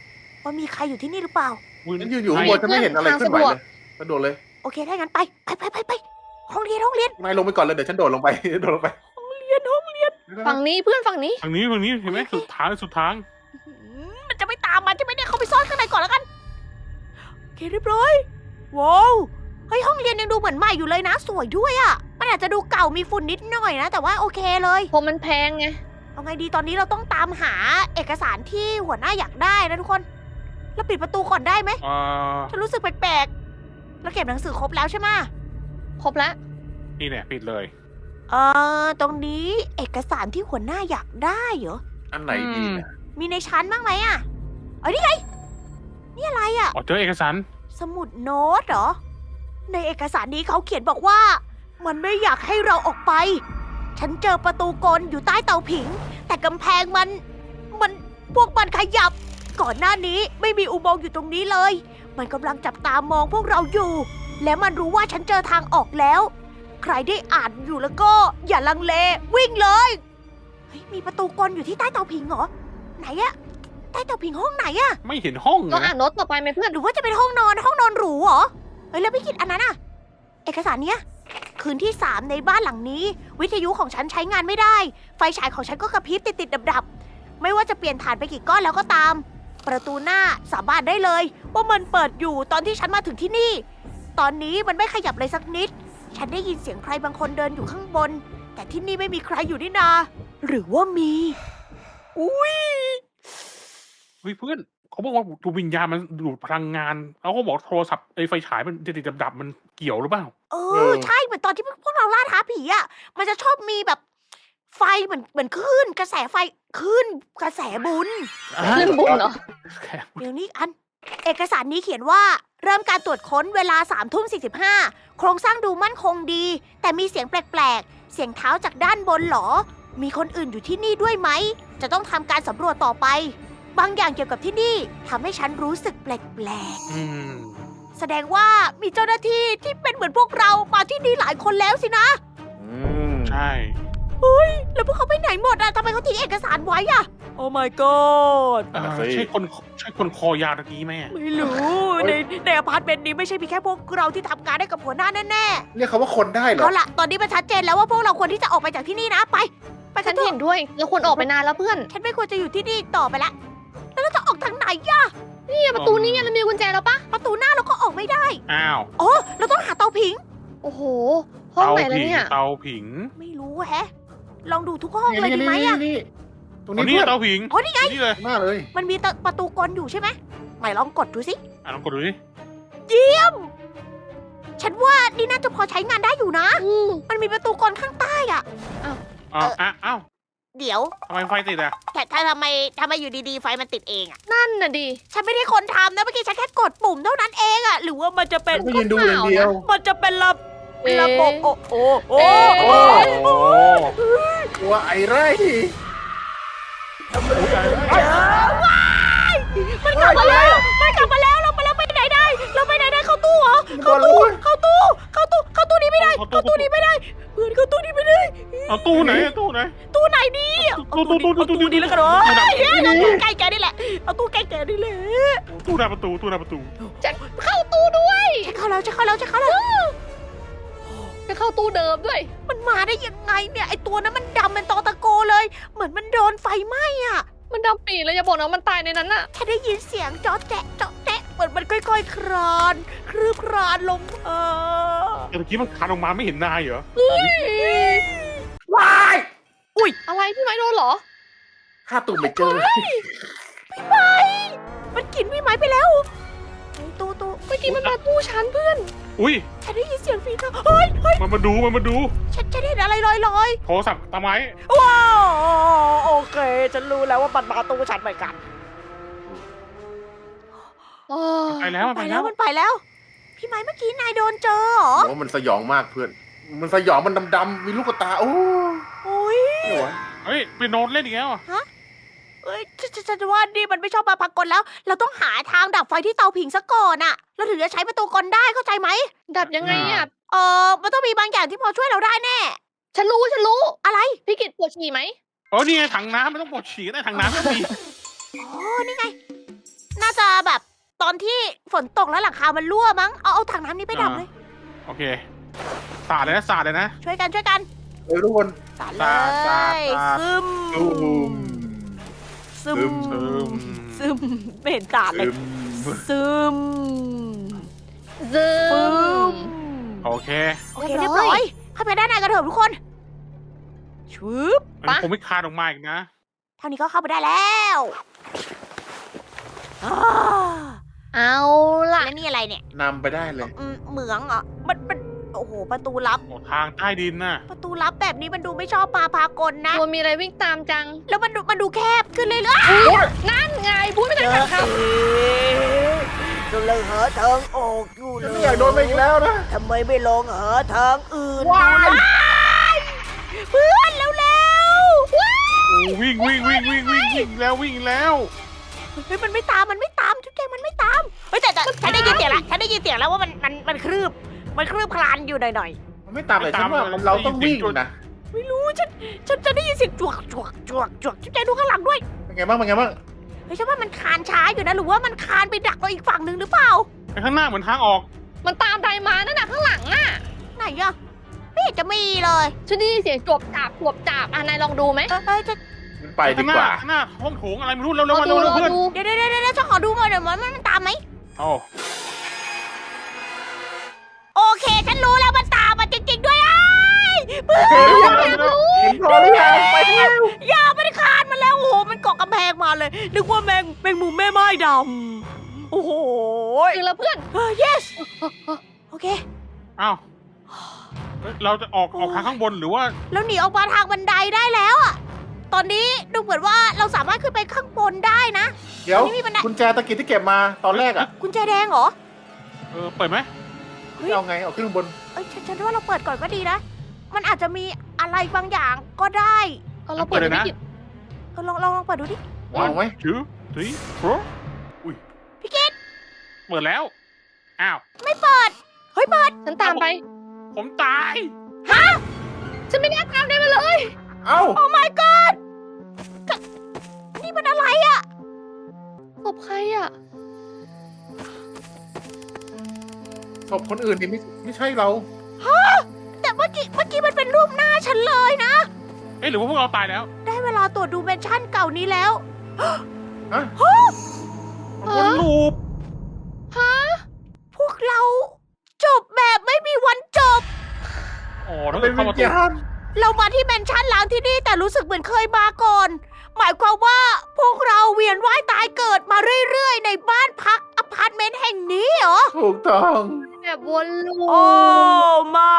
[SPEAKER 1] ว่ามีใครอยู่ที่นี่หรือเปล่า
[SPEAKER 4] ฉันยืนอยู่ข้างบนฉันไม่เห็นอะไรขึ้นไหวเลยกระโดดเลย
[SPEAKER 1] โอเคถ้างั้นไปไปไปไปไปห้องเรียนห้องเรียน
[SPEAKER 4] นายลงไปก่อนเลยเดี๋ยวฉันโดดลงไป โดดลงไป
[SPEAKER 1] ห้องเรียนห้องเรียน
[SPEAKER 2] ฝั่งนี้เพื่อนฝั่งนี้
[SPEAKER 3] ทางนี้ทางนี้เห็นไหมสุดทางสุดทาง
[SPEAKER 1] อืมมันจะไม่ตามมันใช่ไหมเนี่ยเขาไปซ่อนข้างในก่อนแล้วกันโอเคเรียบร้อยว้าวเฮ้ยห้องเรียนยังดูเหมือนใหม่อยู่เลยนะ สวยด้วยอะ่ะมันอาจจะดูเก่ามีฝุ่นนิดหน่อยนะ แต่ว่าโอเคเลย
[SPEAKER 2] ผมมันแพงไง
[SPEAKER 1] เอาไงดีตอนนี้เราต้องตามหาเอกสารที่หัวหน้าอยากได้นะทุกคนแล้วปิดประตูก่อนได้ไหม
[SPEAKER 3] เอ่อ
[SPEAKER 1] ฉันรู้สึกแปลกๆเราเก็บหนังสือครบแล้วใช่ไหม
[SPEAKER 2] ครบแล้ว
[SPEAKER 3] นี่เนี่ยปิดเลย
[SPEAKER 1] เอ่อตรงนี้เอกสารที่หัวหน้าอยากได้เหรอ
[SPEAKER 4] อันไหนดีนะ
[SPEAKER 1] มีในชั้นบ้างไหมอ่ะเอ้ยนี่ไงนี่อะไรอ่ะ
[SPEAKER 3] อ๋อเจอเอกสาร
[SPEAKER 1] สมุดโน้ตเหรอ ในเอกสารนี้เขาเขียนบอกว่า มันไม่อยากให้เราออกไป ฉันเจอประตูกลอยู่ใต้เตาผิง แต่กำแพงมัน มันพวกมันขยับ ก่อนหน้านี้ไม่มีอุโมงค์อยู่ตรงนี้เลย มันกำลังจับตามองพวกเราอยู่ และมันรู้ว่าฉันเจอทางออกแล้ว ใครได้อ่านอยู่แล้วก็อย่าลังเลวิ่งเลยเฮ้ยมีประตูกลอยู่ที่ใต้เตาผิงเหรอไหนอะใต้เตาผิงห้องไหนอะ
[SPEAKER 3] ไม่เห็นห้องเล
[SPEAKER 2] ต้อง
[SPEAKER 3] ย
[SPEAKER 2] อ่า
[SPEAKER 3] นะ
[SPEAKER 2] นโน้ตต่อไปไหมเพื่อน
[SPEAKER 1] หรือว่าจะเป็นห้องนอนห้องนอนหรูเหรอเฮ้ยแล้วพี่กิตอันนั้นอะเอกสารเนี้ยคืนที่สามในบ้านหลังนี้ วิทยุของฉันใช้งานไม่ได้ ไฟฉายของฉันก็กระพริบติดติดดับดับๆไม่ว่าจะเปลี่ยนฐานไปกี่ก้อนแล้วก็ตาม ประตูหน้าสาบานได้เลย ว่ามันเปิดอยู่ตอนที่ฉันมาถึงที่นี่ ตอนนี้มันไม่ขยับเลยสักนิด ฉันได้ยินเสียงใครบางคนเดินอยู่ข้างบน แต่ที่นี่ไม่มีใครอยู่นี่นา หรือว่ามี อุ้ย
[SPEAKER 3] เฮ้ยเพื่อนเขาบอกว่าดูวิญญาณมันดูดพลังงานแล้วเขาบอกโทรศัพท์ไอ้ไฟฉายมันติดๆดับๆมันเกี่ยวหรือเปล่า
[SPEAKER 1] เออ ใช่เหมือนตอนที่พวกเราล่าท้าผีอ่ะ มันจะชอบมีแบบไฟเหมือนเหมือนคลื่นกระแสไฟคลื่นกระแสบุญ
[SPEAKER 2] เรื่องบุญเหรอ
[SPEAKER 1] เดี๋ยวนี้อัน เอกสารนี้เขียนว่า เริ่มการตรวจค้นเวลาสามทุ่มสี่สิบห้าโครงสร้างดูมั่นคงดี แต่มีเสียงแปลกๆ เสียงเท้าจากด้านบนเหรอ มีคนอื่นอยู่ที่นี่ด้วยไหม จะต้องทำการสำรวจต่อไป บางอย่างเกี่ยวกับที่นี่ทำให้ฉันรู้สึกแปลก
[SPEAKER 3] อืม
[SPEAKER 1] ๆ แสดงว่ามีเจ้าหน้าที่ที่เป็นเหมือนพวกเรามาที่นี่หลายคนแล้วสินะ
[SPEAKER 4] อืม
[SPEAKER 3] ใช่
[SPEAKER 1] แล้วพวกเขาไปไหนหมดอะทำไมเขาทิ้งเอกสารไว้อะโอ้ my god
[SPEAKER 3] เอ่อใช่คนใช่คนคอยาวตะกี้ไหมอะ
[SPEAKER 1] ไม่รู้ ในในอพาร์ตเมนต์นี้ไม่ใช่มีแค่พวกเราที่ทำงานได้กับหัวหน้าแน่
[SPEAKER 4] เรียกเขาว่าคนได้
[SPEAKER 1] ๆ
[SPEAKER 4] เหรอ
[SPEAKER 1] เอาล่ะ ตอนนี้มันชัดเจนแล้วว่าพวกเราควรที่จะออกไปจากที่นี่นะ ไป ไปกั
[SPEAKER 2] ฉั
[SPEAKER 1] น
[SPEAKER 2] น
[SPEAKER 1] เถ
[SPEAKER 2] เห็
[SPEAKER 1] อะ
[SPEAKER 2] นด้วยเราควรออกไปนานแล้วเพื่อน
[SPEAKER 1] ฉันไม่ควรจะอยู่ที่นี่อีกต่อไปละ แล้วเราจะออกทางไหนอะ
[SPEAKER 2] นี่ไงประตูนี่ไงเรามีกุญแจแล้วปะ
[SPEAKER 1] ประตูหน้าเราก็ออกไม่ได้
[SPEAKER 3] อ้าว
[SPEAKER 1] อ๋อ เราต้องหาเตาผิง
[SPEAKER 2] โอ้โห ห้องไหนแล้ว
[SPEAKER 3] ผิง
[SPEAKER 2] เนี่ย
[SPEAKER 3] เตาผิง
[SPEAKER 1] ไม่รู้แฮะ ลองดูทุกห้องเลย
[SPEAKER 4] นี่
[SPEAKER 1] ดีไหม
[SPEAKER 4] นี่
[SPEAKER 1] อะ
[SPEAKER 4] นี่ตรง
[SPEAKER 3] อ๋อ
[SPEAKER 4] นี้
[SPEAKER 3] นี่
[SPEAKER 4] เพื่อน
[SPEAKER 3] เตาผิง
[SPEAKER 1] อ๋อนี่ไง
[SPEAKER 3] นี่เลย
[SPEAKER 4] หน้าเลย
[SPEAKER 1] มันมีประตูกลอยู่ใช่ไหมไหนลองกดดูสิ
[SPEAKER 3] อ่ะลองกดดูดิ
[SPEAKER 1] ฉันว่านี่น่าจะพอใช้งานได้อยู่นะ
[SPEAKER 2] อืม
[SPEAKER 1] มันมีประตูกลข้างใต้อะ
[SPEAKER 3] อ้าว
[SPEAKER 1] เออ
[SPEAKER 3] อ่ะอ้าว
[SPEAKER 1] เดี๋ยว
[SPEAKER 3] ทำไมไฟติดอ่ะ
[SPEAKER 1] แต่ถ้าทำไมทำไมอยู่ดีๆ ไฟมันติดเองอะ
[SPEAKER 2] นั่นน่ะดิ
[SPEAKER 1] ฉันไม่ได้คนทำนะเมื่อกี้ฉันแค่กดปุ่มเท่านั้นเองอะหรือว่ามันจะเป็น
[SPEAKER 4] ก็ยืนดูอย่างเดียว
[SPEAKER 1] มันจะเป็นระ
[SPEAKER 2] เอ๊ะ
[SPEAKER 1] ระบบโอ้โอ้โอ้
[SPEAKER 4] โอ้โหตัวไอ้ไร
[SPEAKER 1] ว้ายมันกลับมาแล้วมันกลับมาแล้วเราไปแล้วไปไหนได้ เราไปไหนได้เข้าตู้เหรอเข้าตู้เข้าตู้เข้าตู้เข้าตู้นี้ไม่ได้ เข้าตู้นี้ไม่ได้เพื่อนเข้าตู้นี้ไม่ได้
[SPEAKER 3] เอาตู้ไหนอะตู้ไหน
[SPEAKER 1] ตู้ไหนดีเอา
[SPEAKER 3] ตู้ตู้ตู้ตู้
[SPEAKER 1] ตู้
[SPEAKER 3] ตู้
[SPEAKER 1] นี้แล้วกันเหรอเฮ้ยเอาตู้ใกล้แกนี่แหละเอาตู้ใกล้แกนี่แหละ
[SPEAKER 3] ตู้หน้าประตูตู้หน้าประตู
[SPEAKER 2] จะเข้าตู้ด้วย
[SPEAKER 1] จะเข้าแล้วจะเข้าแล้วจะเข้าแล้ว
[SPEAKER 2] จะเข้าตู้เดิมด้วย
[SPEAKER 1] มันมาได้ยังไงเนี่ยไอตัวนั้นมันดำเป็นตอตะโกเลย เหมือนมันโดนไฟไหม้อะ
[SPEAKER 2] มันดำปีเลยอย่าบอกนะว่ามันตายในนั้นน่ะ
[SPEAKER 1] ฉันได้ยินเสียงจ๊อแจ๊ะจ๊อแจ๊ะเหมือนมันค่อยๆ คลานคลืบคลานลงเออ
[SPEAKER 3] แต่เมื่อกี้มันคานออกมาไม่เห็นนายเหรอ
[SPEAKER 4] ว้าย
[SPEAKER 2] อะไรพี่ไม้โดนเหรอ
[SPEAKER 4] ข้าตุ่มไม่เจอ
[SPEAKER 1] พี่ไม้มันกินพี่ไม้ไปแล้วเฮ้ยตู้ตู้
[SPEAKER 2] เมื่อกี้มันมาตู้ฉันเพื่อน
[SPEAKER 3] อุ้ย
[SPEAKER 1] ฉันได้ยินเสียงฝีเท้าเฮ้ยเฮ้ย
[SPEAKER 3] มันมาดูมันมาดู
[SPEAKER 1] ฉันฉันเห็นอะไรลอยลอย
[SPEAKER 3] โทรศัพท์ตาไม้
[SPEAKER 1] ๆว้าวโอเค ฉันรู้แล้วว่ามันมาตู้ฉันเหมือนกัน
[SPEAKER 2] โอ้
[SPEAKER 3] ไปแล้วมัน
[SPEAKER 1] ไป
[SPEAKER 3] ไป
[SPEAKER 1] แล้
[SPEAKER 3] แล้ว ว
[SPEAKER 1] มันไปแล้ว พี่ไม้เมื่อกี้นายโดนเจอเหรอ
[SPEAKER 4] โอ้มันสยองมากเพื่อน มันสยองมันดำๆมีลูกตา โอ้
[SPEAKER 1] โอ้ย
[SPEAKER 4] ไม่ไหว
[SPEAKER 3] เฮ้ยไปโน้ตเล่นอีกแล้วอะ
[SPEAKER 1] เอ้ยฉันฉันฉันว่านี่มันไม่ชอบมาพากลแล้ว เราต้องหาทางดับไฟที่เตาผิงซะก่อนอะเราถึงจะใช้ประตูกลได้เข้าใจไหม
[SPEAKER 2] ดับยังไงอ่ะ
[SPEAKER 1] เออมันต้องมีบางอย่างที่พอช่วยเราได้แน่
[SPEAKER 2] ฉันรู้ฉันรู้
[SPEAKER 1] อะไร
[SPEAKER 2] พี่กิตปวดฉี่ไหม
[SPEAKER 3] เออนี่ไงถังน้ำไม่ต้องปวดฉี่ได้ถังน้ำก็มี
[SPEAKER 1] อ๋อ นี่ไง น่าจะจะแบบตอนที่ฝนตกแล้วหลังคามันรั่วมั้ง เอาเอาถังน้ำนี้ไปดับเลย
[SPEAKER 3] โอเคสาดเลยนะสาดเลยนะ
[SPEAKER 1] ช่วยกันช่วยกัน
[SPEAKER 4] เฮ้ยทุกคน
[SPEAKER 1] สาด
[SPEAKER 3] สาดสาด
[SPEAKER 1] เลย
[SPEAKER 3] สาด
[SPEAKER 1] ซึม
[SPEAKER 4] ตูม
[SPEAKER 1] ซึม
[SPEAKER 3] ซึม
[SPEAKER 1] ซึมไม่เห็นสาดเลย
[SPEAKER 4] ซึม
[SPEAKER 1] ซึม
[SPEAKER 2] ซึ
[SPEAKER 1] ซึ
[SPEAKER 2] ม
[SPEAKER 1] ม
[SPEAKER 3] โอเค
[SPEAKER 1] โอเคเรียบร้อยเข้าไปด้านในกันเถอะทุกคนชึบ
[SPEAKER 3] มันคงไม่คานออกมาอีกนะ
[SPEAKER 1] เท่านี้ก็เข้าไปได้แล้วอ่า
[SPEAKER 2] เอาล่ะ
[SPEAKER 1] แล้วนี่อะไรเนี่ย
[SPEAKER 4] นำไปได้เลย
[SPEAKER 1] อืมเหมืองเหรอมันมันโอ้โห ประตูลับ
[SPEAKER 3] โอ้ทางใต้ดินน่ะ
[SPEAKER 1] ประตูลับแบบนี้มันดูไม่ชอบปลาพากลนะ
[SPEAKER 2] ตัวมีอะไรวิ่งตามจัง
[SPEAKER 1] แล้วมันดูมันดูแคบขึ้นเรื่อย
[SPEAKER 2] นั่นไงพูดไม่
[SPEAKER 1] ๆ
[SPEAKER 2] ทันขาดค
[SPEAKER 1] ก็เลยหาทางออกอยู่เล
[SPEAKER 4] ไม่
[SPEAKER 1] ย
[SPEAKER 4] อยากโดนไปอีกแล้วนะ
[SPEAKER 1] ทำไมไม่ลองหาทางอื่นดู
[SPEAKER 4] ว้าย
[SPEAKER 1] ล่ะเพื่อนแล้วแล้วๆว้าย
[SPEAKER 3] โอ้วิ่งวิ่งวิ่งวิ่งวิ่งวิ่งแล้ววิ่งแล้ว
[SPEAKER 1] เฮ้ยมันไม่ตามมันไม่ตามทุกแกมันไม่ตามเฮ้ยแต่แต่ฉันได้ยินเสียงแล้วฉันได้ยินเสียงแล้วว่ามันมันมันคลืบมันคลืบคลานอยู่หน่อย
[SPEAKER 4] มันไม่ตามเลยฉันว่ามันเราต้องวิ่งนะ
[SPEAKER 1] ๆไม่รู้ฉันฉันจะได้ยินเสียงจวกจวกจวกจวกทุกแกดูข้างหลังด้วย
[SPEAKER 4] เป็นไงบ้างเป็นไงบ้าง
[SPEAKER 1] เฮ้ยฉันว่ามันคลานช้าอยู่นะหรือว่ามันคลานไปดักเราอีกฝั่งหนึ่งหรือเปล่า
[SPEAKER 3] ไอ้ข้างหน้าเหมือนทางออก
[SPEAKER 2] มันตามใดมานั่นน่ะข้างหลังอ่ะ
[SPEAKER 1] ไหนอะไม่เห็นจะมีเลย
[SPEAKER 2] ฉันได้ยินเสียงจวบจับจวบจับอ่ะนายลองดูไหม
[SPEAKER 1] เอ้ยเอ้ยจะ
[SPEAKER 4] มันไปดีกว่า
[SPEAKER 3] ข้างหน้าห้องโถงอะไรไม่รู้เร็ว
[SPEAKER 2] ลอง
[SPEAKER 3] ๆมา
[SPEAKER 2] ดู
[SPEAKER 3] เร็ว
[SPEAKER 2] ลอง
[SPEAKER 3] ๆเพื่อน
[SPEAKER 2] ดู
[SPEAKER 1] เดี๋ยวเดี๋ยวเดี๋ยวเดี๋ยวฉันขอดูหน่อยเดี๋ยวมันมันตามไหม
[SPEAKER 3] โอ้
[SPEAKER 1] โอเคฉันรู้แล้วมันตามมาจริงๆด้วยไอ้เพื่อน
[SPEAKER 4] เห็นหรือยังเห็นพอหรือยังไปแล้ว
[SPEAKER 1] อย่ามันคลานมาแล้วโอ้โหมันเกาะกำแพงมาเลยนึกว่าแมงแมงมุมแม่ไม้ดำโอ้โห
[SPEAKER 2] ถึงแล้วเพื่อน
[SPEAKER 1] เออ yes โอเค
[SPEAKER 3] อ้าวเฮ้ยเราจะออกออกทางข้างบนหรือว่า
[SPEAKER 1] แล้วหนีออกมาทางบันไดได้แล้วอะตอนนี้ดูเหมือนว่าเราสามารถขึ้นไปข้างบนได้นะ
[SPEAKER 4] เดี๋ยว
[SPEAKER 1] ไม่มีปัญหา
[SPEAKER 4] กุญแจตะกี้ที่เก็บมาตอนแรกอ่ะ
[SPEAKER 1] กุญแจแดงเหรอ
[SPEAKER 3] เออเปิดไหม
[SPEAKER 1] เฮ้ย
[SPEAKER 4] เอาไงเอาขึ้นข้างบน
[SPEAKER 1] เอ้ยฉันฉันว่าเราเปิดก่อนก็ดีนะ มันอาจจะมีอะไรบางอย่างก็ได้
[SPEAKER 2] เอาเราเปิดไม่หยิบ
[SPEAKER 1] เออลองลองลองเปิดดูดิ
[SPEAKER 4] วางไหม
[SPEAKER 3] ถือถือโอ้อุ้ย
[SPEAKER 1] พี่กิต
[SPEAKER 3] เปิดแล้ว อ้าว
[SPEAKER 1] ไม่เปิด เฮ้ยเปิด
[SPEAKER 2] ฉันตามไป
[SPEAKER 3] ผมตาย
[SPEAKER 2] ฉันไม่น่าตามได้มาเลย
[SPEAKER 4] เอ้า
[SPEAKER 1] โอ้ my god จะนี่มันอะไรอะ
[SPEAKER 2] ศพใครอ่ะ
[SPEAKER 4] ศพคนอื่นนี่ไม่ไม่ใช่เรา
[SPEAKER 1] แต่เมื่อกี้เมื่อกี้มันเป็นรูปหน้าฉันเลยนะ
[SPEAKER 3] เอ๊ะหรือว่าพวกเราตายแล้ว
[SPEAKER 1] ได้เวลาตรวจดูเมนชั่นเก่านี้แล้ว
[SPEAKER 4] ฮะ
[SPEAKER 3] วนลูป
[SPEAKER 2] ฮะ
[SPEAKER 1] พวกเราจบแบบไม่มีวันจบ
[SPEAKER 3] อ๋อถ้า
[SPEAKER 4] เป็
[SPEAKER 3] เกิ
[SPEAKER 4] น
[SPEAKER 3] ด
[SPEAKER 4] วิ
[SPEAKER 3] เข้า
[SPEAKER 4] ญ
[SPEAKER 3] มาตัว
[SPEAKER 4] ญาณ
[SPEAKER 1] เรามาที่เมนชั่นล้างที่นี่แต่รู้สึกเหมือนเคยมาก่อน หมายความว่าพวกเราเวียนว่ายตายเกิดมาเรื่อยๆ ในบ้านพักอพาร์ตเมนต์แห่งนี้เหรอ
[SPEAKER 4] ถูกต้อง
[SPEAKER 2] แบบวนลูป
[SPEAKER 1] โอ้ไม่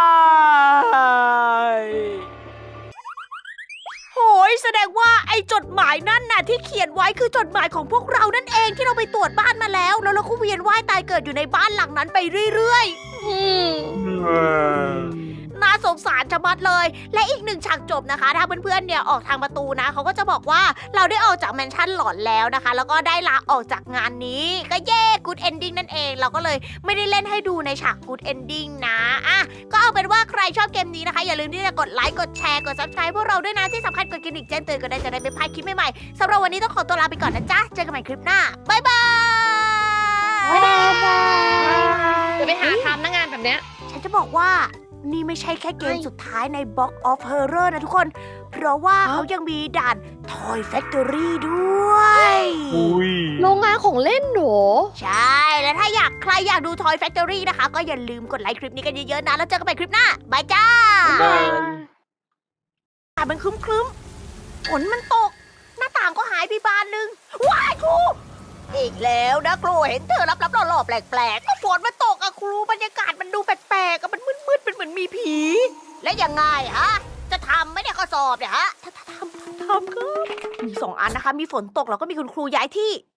[SPEAKER 1] โหยแสดงว่าไอ้จดหมายนั่นน่ะที่เขียนไว้คือจดหมายของพวกเรานั่นเองที่เราไปตรวจบ้านมาแล้ว แล้วเราก็เวียนว่ายตายเกิดอยู่ในบ้านหลังนั้นไปเรื่อย
[SPEAKER 2] อืม
[SPEAKER 4] เออ
[SPEAKER 1] ๆ น่าสงสารจะมัดเลย และอีกหนึ่งฉากจบนะคะ ถ้าเพื่อนๆเนี่ยออกทางประตูนะเขาก็จะบอกว่าเราได้ออกจากแมนชั่นหลอนแล้วนะคะ แล้วก็ได้ลาออกจากงานนี้ ก็เย่กูดเอนดิ้งนั่นเอง เราก็เลยไม่ได้เล่นให้ดูในฉากกูดเอนดิ้งนะอ่ะก็เอาเป็นว่าใครชอบเกมนี้นะคะ อย่าลืมที่จะกดไลค์กดแชร์กด ซับสไครบ์ พวกเราด้วยนะที่สำคัญกดกระดิ่งแจ้งเตือนก็ได้จะได้ไม่พลาดคลิปใหม่ๆสำหรับวันนี้ต้องขอตัวลาไปก่อนนะจ๊ะเจอกันใหม่คลิปหน้าบ๊ายบาย
[SPEAKER 2] บ๊ายบายจะไปหาทำหน้างานแบบเนี้ย
[SPEAKER 1] ฉันจะบอกว่านี่ไม่ใช่แค่เกมสุดท้ายใน Box of Horror นะทุกคน เพราะว่าเขายังมีด่าน Toy Factory ด้วย
[SPEAKER 3] อุ้ย
[SPEAKER 2] โรงงานของเล่นหนู
[SPEAKER 1] ใช่ แล้วถ้าอยากใครอยากดู Toy Factory นะคะ ก็อย่าลืมกดไลค์คลิปนี้กันเยอะๆนะ แล้วเจอกันใหม่คลิปหน้าบายจ้า
[SPEAKER 4] บ๊ายบาย
[SPEAKER 1] แต่มันครึ้มครึ้มๆฝนมันตก หน้าต่างก็หายไปบานหนึ่งว้ายครู อีกแล้วนะครูเห็นเธอรับรับๆล่อๆแปลกๆก็ฝนมันตกอะครูบรรยากาศมันดูแปลกๆอะมันมืดๆเป็นเหมือนมีผี และยังไงฮะ จะทำไหมเนี่ยข้อสอบเนี่ยฮะทำทำทำครับมีสองอันนะคะ มีฝนตกแล้วก็มีคุณครูย้ายที่